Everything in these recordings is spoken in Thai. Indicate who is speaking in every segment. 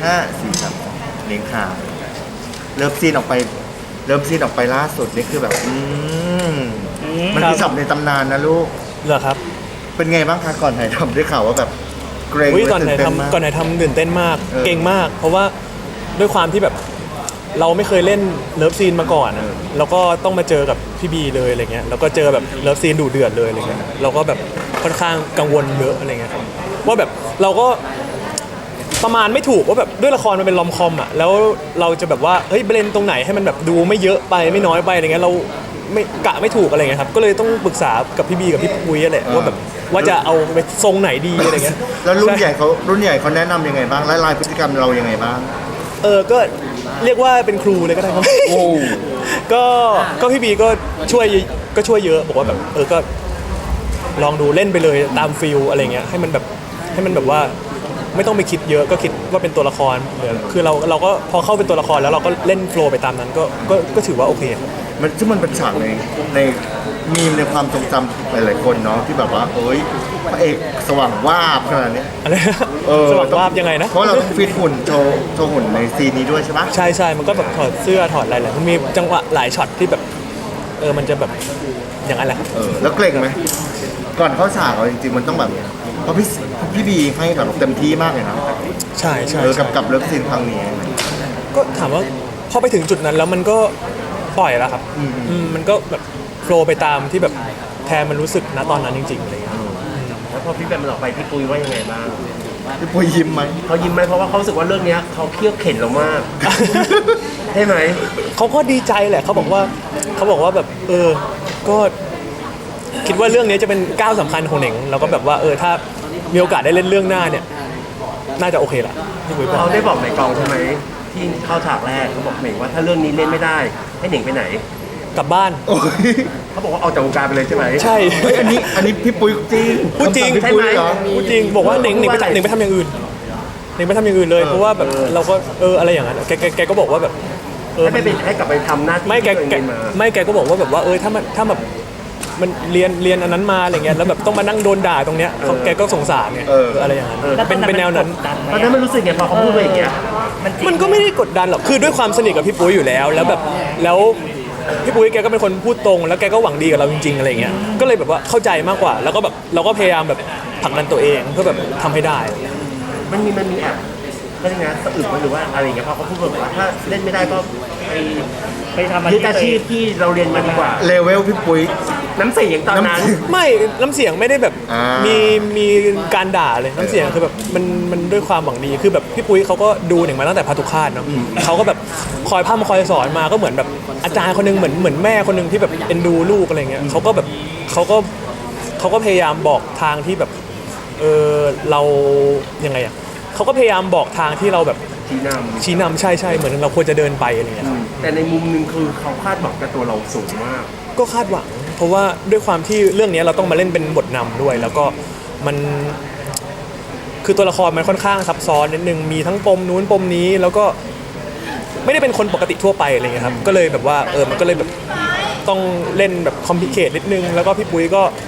Speaker 1: 5 4 3 เลี้ยงข่าวเริ่มซีนออกไปล่าสุดนี่คือแบบมันคือสับในตำนานนะลูก
Speaker 2: เหรอครับ
Speaker 1: เป็นไงบ้างคะก่อนถ่ายทำได้ข่าวว่าแบบเกรง
Speaker 2: ก่อนถ่ายทำตื่นเต้นมากเก่งมากเพราะว่าด้วยความที่แบบเราไม่เคยเล่นเลิฟซีนมาก่อนแล้วก็ต้องมาเจอกับพี่บีเลยอะไรเงี้ยแล้วก็เจอแบบเลิฟซีนดุเดือดเลยอะไรเงี้ยเราก็แบบค่อนข้างกังวลเยอะอะไรเงี้ยครับว่าแบบเราก็ประมาณไม่ถูกว่าแบบด้วยละครมันเป็นลอมคอมอ่ะแล้วเราจะแบบว่าเฮ้ยเบรนตรงไหนให้มันแบบดูไม่เยอะไปไม่น้อยไปอะไรเงี้ยเราไม่กะไม่ถูกอะไรเงี้ยครับก็เลยต้องปรึกษากับพี่บีกับพี่ปุ้ยแหละว่าแบบว่าจะเอาไปทรงไหนดีอะไรเงี้ย
Speaker 1: แล้วรุ่นใหญ่เขาแนะนำยังไงบ้างและลายพฤติกรรมเรายังไงบ้าง
Speaker 2: ก็เรียกว่าเป็นครูเลยก็ได้ครับก็พี่บีก็ช่วยเยอะบอกว่าแบบก็ลองดูเล่นไปเลยตามฟิลอะไรเงี้ยให้มันแบบว่าไม่ต้องไปคิดเยอะก็คิดว่าเป็นตัวละครคือเราก็พอเข้าเป็นตัวละครแล้วเราก็เล่นโฟลว์ไปตามนั้นก็ถือว่าโอเคครับ
Speaker 1: มันเป็นฉากในมีมในความทรงจำหลายๆคนเนาะที่แบบว่าพระเอกสว่างวาบขนาดนี้
Speaker 2: อะไรสว่างวาบยังไงนะ
Speaker 1: เพราะเราต้องฟิตหุ่นโชว์หุ่นในซีนนี้ด้วยใช่ปะ
Speaker 2: ใช่มันก็แบบถอดเสื้อถอดอะไรแหละมันมีจังหวะหลายช็อตที่แบบมันจะแบบอย่างนั้นแหละ
Speaker 1: แล้วเกรงไหมก่อนเข้าฉากเราจริงๆมันต้องแบบเพราะพี่บีให้แบบเต็มที่มากเลยนะ
Speaker 2: ใช่
Speaker 1: กับเลิฟซีนครั้งนี้
Speaker 2: ก็ถามว่าพอไปถึงจุดนั้นแล้วมันก็ปล่อยแล้วครับมันก็แบบโฟลว์ไปตามที่แบบแทนมันรู้สึกณตอนนั้นจริงๆอะไรอย่างเงี้ย
Speaker 3: แล้วพอพี่แบมมันออกไปพี่ปุ้ยว่ายังไงบ้าง
Speaker 1: พี่ปุ้ยยิ้มไหม
Speaker 3: เขายิ้มไหมเพราะว่าเขารู้สึกว่าเรื่องนี้เขาเคี่ยวเข็นเรามากใช่ไหม
Speaker 2: เขาก็ดีใจแหละเขาบอกว่าแบบก็คิดว่าเรื่องนี้จะเป็นก้าวสำคัญของเหน่งแล้วก็แบบว่าถ้ามีโอกาสได้เล่นเรื่องหน้าเนี่ยน่าจะโอเคละพี่ปุ้ย
Speaker 3: เขาได้บอกในกองใช่ไหมที่เข้าฉากแรกเขาบอกเหน่งว่าถ้าเรื่องนี้เล่นไม่ได้ให้เหน่งไปไหน
Speaker 2: กลับบ้าน
Speaker 3: เขาบอกว่าออกจากวงการไปเลยใช่ไหม
Speaker 2: ใช่
Speaker 1: อันนี้พี่ปุ้ยจริง
Speaker 2: พูดจริง
Speaker 1: ใช่ไหม
Speaker 2: พูดจริงบอกว่าเหน่งไปทำอย่างอื่นเหน่งไปทำอย่างอื่นเลยเพราะว่าแบบเราก็อะไรอย่างนั้นแกก็บอกว่าแบบ
Speaker 3: ให้กลับไปทำหน้าที่
Speaker 2: ไม่แกก็บอกว่าแบบว่าถ้าแบบมันเรียนอันนั้นมาอะไรเงี้ยแล้วแบบต้องมานั่งโดนด่าตรงเนี้ยแกก็สงสารไงอะไรอย่างนั้นเป็นแนวนั้น
Speaker 3: ตอนนั้นมันรู้สึกไงพอเขาพูดไปอย่างเงี้ย
Speaker 2: มันก็ไม่ได้กดดันหรอกคือด้วยความสนิทกับพี่ปุ้ยอยู่แล้วแบบแล้วพี่ปุ้ยแกก็เป็นคนพูดตรงแล้วแกก็หวังดีกับเราจริงๆอะไรเงี้ยก็เลยแบบว่าเข้าใจมากกว่าแล้วก็แบบเราก็พยายามแบบผลักดันตัวเองเพื่อแบบทำให้ได้
Speaker 3: มันมีแอบก็ยังไงสะอึกหรือว่าอะไรอย่างเงี้ยพอเขาพูดแบบว่าถ้าเล่นไม่ได้ก็ไปทำอาชีพที่เราเรียนมาดีกว่า
Speaker 1: เลเวลพี่ปุ้ย
Speaker 3: น้ำเสียงตอนนั้น
Speaker 2: ไม่น้ำเสียงไม่ได้แบบมีการด่าเลยน้ำเสียงคือแบบมันด้วยความหวังดีคือแบบพี่ปุ้ยเขาก็ดูหนึ่งมาตั้งแต่พาตุคาตเนาะเขาก็แบบคอยพร่ำคอยสอนมาก็เหมือนแบบอาจารย์คนนึงเหมือนแม่คนนึงที่แบบเอ็นดูลูกอะไรเงี้ยเขาก็พยายามบอกทางที่แบบเรายังไงอ่ะเขาก็พยายามบอกทางที่เราแบบชี้นำใช่เหมือนเราควรจะเดินไปอะไรเงี้ย
Speaker 3: แต่ในมุมนึงคือเขาคาดหวังกับตัวเราสูงมาก
Speaker 2: ก็คาดหวังเพราะว่าด้วยความที่เรื่องนี้เราต้องมาเล่นเป็นบทนำด้วยแล้วก็มันคือตัวละครมันค่อนข้างซับซ้อนนิดนึงมีทั้งปมนู้นปมนี้แล้วก็ไม่ได้เป็นคนปกติทั่วไปอะไรเงี้ยครับก็เลยแบบว่ามันก็เลยแบบต้องเล่นแบบคอมพลิเคทนิดนึงแล้วก็พี่ปุ้ย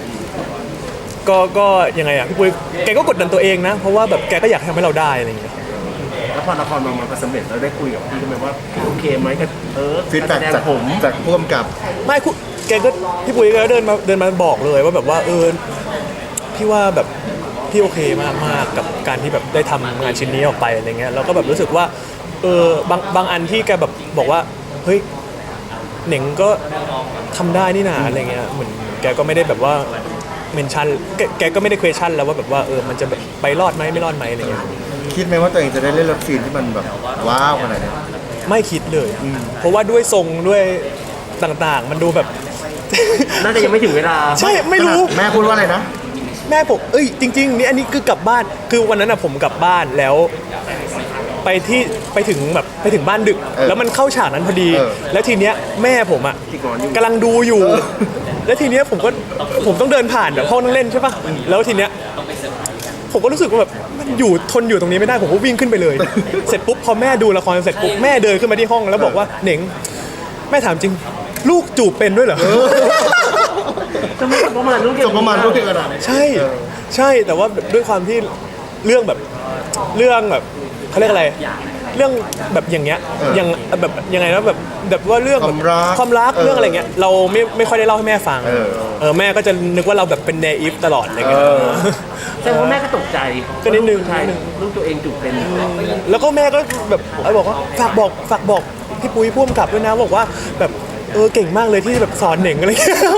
Speaker 2: ก็ยังไงอ่ะพี่ปุ้ยแกก็กดดันตัวเองนะเพราะว่าแบบแกก็อยากทำให้เราได้อะไรเงี้ย
Speaker 3: แล้วพอละครมันสำเร็จเราได้คุยกับพี่ไหมว่าโอเคไหมกับ
Speaker 1: ฟีดแบ็กจากผู้กำกับ
Speaker 2: ไม่แกก็พี่ปุ้ยก็เดินมาบอกเลยว่าแบบว่าพี่ว่าแบบพี่โอเคมากกับการที่แบบได้ทำงานชิ้นนี้ออกไปอะไรเงี้ยแล้วก็แบบรู้สึกว่าบางอันที่แกแบบบอกว่าเฮ้ยเหน่งก็ทำได้นี่นาอะไรเงี้ยเหมือนแกก็ไม่ได้แบบว่าเมนชั่นแกก็ไม่ได้ question แล้วว่าแบบว่ามันจะแบบไปรอดไหมไม่รอดไหมอะไรเงี้ย
Speaker 1: คิดไหมว่าตัวเองจะได้เล่นเลิฟซีนที่มันแบบว้าวขนาดนี้
Speaker 2: ไม่คิดเลยเพราะว่าด้วยทรงด้วยต่างๆมันดูแบบ
Speaker 3: น่าจะยังไม่ถึงเวลา
Speaker 2: ใช่ไม่รู้
Speaker 1: แม่พูดว่าอะไรนะ
Speaker 2: แม่ผมจริงๆนี่อันนี้คือกลับบ้านคือวันนั้นผมกลับบ้านแล้วไปถึงบ้านดึกแล้วมันเข้าฉากนั้นพอดีแล้วทีเนี้ยแม่ผมกำลังดูอยู่แล้วทีเนี้ยผมต้องเดินผ่านแบบห้องนั่งเล่นใช่ป่ะแล้วทีเนี้ยผมก็รู้สึกว่าแบบทนอยู่ตรงนี้ไม่ได้ผมก็วิ่งขึ้นไปเลยเสร็จปุ๊บพอแม่ดูละครเสร็จปุ๊บแม่เดินขึ้นมาที่ห้องแล้วบอกว่าเหน่งแม่ถามจริงลูกจูบเป็นด้วยเหรอ
Speaker 3: จะไม่ประมาณลูกเก่ง
Speaker 1: ขนาดนี้
Speaker 2: ใช่แต่ว่าด้วยความที่เรื่องแบบเขาเรียกอะไรรื่องแบบอย่างเงี้ยอย่างแบบยังไงนะแบบว่าเรื่องแบบความรักเรื่องอะไรเงี้ยเราไม่ค่อยได้เล่าให้แม่ฟังแม่ก็จะนึกว่าเราแบบเป็นเนอิฟตลอดอะไรเงี้ย
Speaker 3: แสดงว่าแม่ก็ตกใจ
Speaker 2: ก็นิดนึง
Speaker 3: ลูชายลูกตัวเองถูกเป็น
Speaker 2: แล้วก็แม่ก็แบบบอกว่าฝากบอกพี่ปุ้ยพ่วงกับด้วยนะบอกว่าแบบเก่งมากเลยที่แบบสอนเหน่งอะไรเงี้ย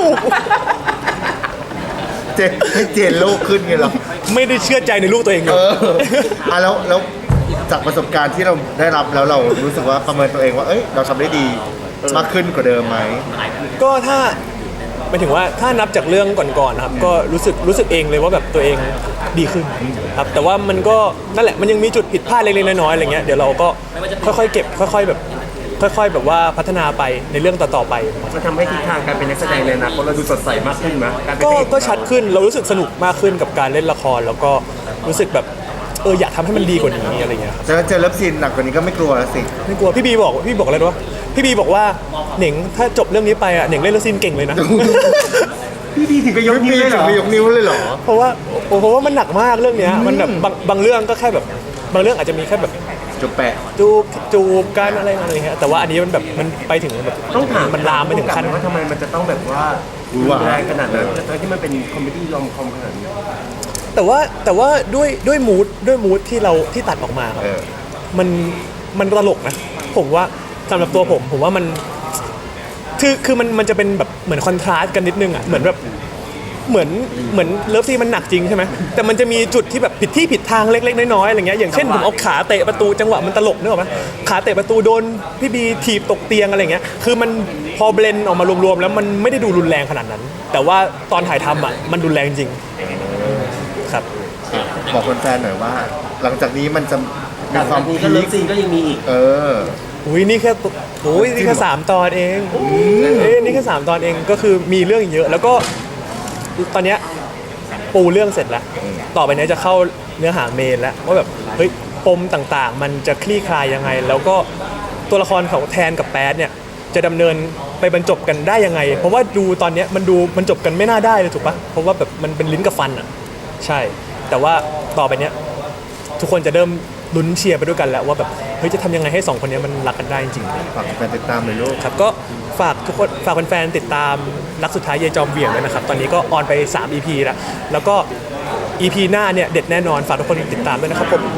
Speaker 1: เจนให้เจนโลกขึ้นไงเหรอ
Speaker 2: ไม่ได้เชื่อใจในลูกตัวเองเลย
Speaker 1: แล้วจากประสบการณ์ที่เราได้รับแล้วเรารู้สึกว่าประเมินตัวเองว่าเอ้ยเราทำได้ดีมากขึ้นกว่าเดิมไหม
Speaker 2: ก็ถ้าหมายถึงว่าถ้านับจากเรื่องก่อนๆนะครับก็รู้สึกเองเลยว่าแบบตัวเองดีขึ้นครับแต่ว่ามันก็นั่นแหละมันยังมีจุดผิดพลาดเล็กๆน้อยๆอะไรเงี้ยเดี๋ยวเราก็ค่อยๆเก็บค่อยๆแบบว่าพัฒนาไปในเรื่องต่อๆไป
Speaker 3: มันทำให้ทิศทางการเป็นนักแสดงในอนาคตเราดูสดใสมากขึ้นไหมการเป็นพระเอก
Speaker 2: ก็ชัดขึ้นเรารู้สึกสนุกมากขึ้นกับการเล่นละครแล้วก็รู้สึกแบบอยากทำให้มันดีกว่านี้อะไรเงี้ยครับ
Speaker 1: เจอเลิฟซีนหนักกว่านี้ก็ไม่กลัวแล้วสิ
Speaker 2: ไม่กลัวพี่บีบอกอะไรรู้ปะพี่บีบอกว่าเหน่งถ้าจบเรื่องนี้ไปอ่ะเหน่งเล่นละครเก่งเลยนะ
Speaker 3: พี่ดีถึงกับยกนิ้วเลยเหรอ
Speaker 1: ไม่ยกนิ้วเลยเหรอ
Speaker 2: เพราะว่ามันหนักมากเรื่องเนี้ยมันแบบบางเรื่องก็แค่แบบบางเรื่องอาจจะมีแค่แบบ
Speaker 1: จุดแปะ
Speaker 2: จูบกันอะไรเงี้ยแต่ว่าอันนี้มันแบบมันไปถึงแบบ
Speaker 3: ต้องถาม
Speaker 2: มันลามไปถึงขั้น
Speaker 3: ว่าทำไมมันจะต้องแบบว่ารุนแรงขนาดนั้นทั้งที่มันเป็นคอมเมดี้รอมคอมขนาดนี้
Speaker 2: แต่ว่าด้วยมูดที่ตัดออกมาครับ มันตลกนะผมว่าสำหรับตัวผมว่ามันคือมันจะเป็นแบบเหมือนคอนทราสต์กันนิดนึงอ่ะเหมือนแบบเหมือนเลิฟซีนมันหนักจริงใช่ไหมแต่มันจะมีจุดที่แบบผิดที่ผิดทางเล็กๆน้อยๆอะไรเงี้ยอย่างเช่นผมเอาขาเตะประตูจังหวะมันตลกนึกออกไหมขาเตะประตูโดนพี่บีถีบตกเตียงอะไรเงี้ยคือมันพอเบลนออกมารวมๆแล้วมันไม่ได้ดูรุนแรงขนาดนั้น แต่ว่าตอนถ่ายทำอ่ะมันรุนแรงจริงครับ
Speaker 1: บอกแฟนๆหน่อยว่า หลังจากนี้มันจะมี
Speaker 3: จาก
Speaker 1: ความ
Speaker 3: นี้ก็
Speaker 1: พี
Speaker 3: เลิฟ
Speaker 1: ค
Speaker 3: ซีนก็ยังมีอีก
Speaker 2: อุ้ยนี่แค่3 ตอนเองนี่แค่3 ตอนเองก็คือมีเรื่องเยอะ แล้วก็ตอนเนี้ยปูเรื่องเสร็จแล้วต่อไปเนี้ยจะเข้าเนื้อหาเมนแล้วว่าแบบเฮ้ยปมต่างๆ มันจะคลี่คลายยังไง แล้วก็ตัวละครของแทนกับแป๊ดเนี่ยจะดำเนินไปบรรจบกันได้ยังไง เพราะว่าดูตอนเนี้ยมันดูบรรจบกันไม่น่าได้เลยถูกปะเพราะว่าแบบมันเป็นลิ้นกับฟันอ่ะใช่ แต่ว่าต่อไปเนี้ยทุกคนจะเริ่มลุ้นเชียร์ไปด้วยกันแล้วว่าแบบเฮ้ยจะทำยังไงให้2 คนนี้มันรักกันได้จริง
Speaker 1: ฝากแฟนติดตามเลยลูก
Speaker 2: ๆครับก็ฝากทุกคนฝากแฟนๆติดตามรักสุดท้ายเยจอมเหวี่ยงด้วยนะครับตอนนี้ก็ออนไป3 EP แล้วก็ EP หน้าเนี่ยเด็ดแน่นอนฝากทุกคนติดตามด้วยนะครับผม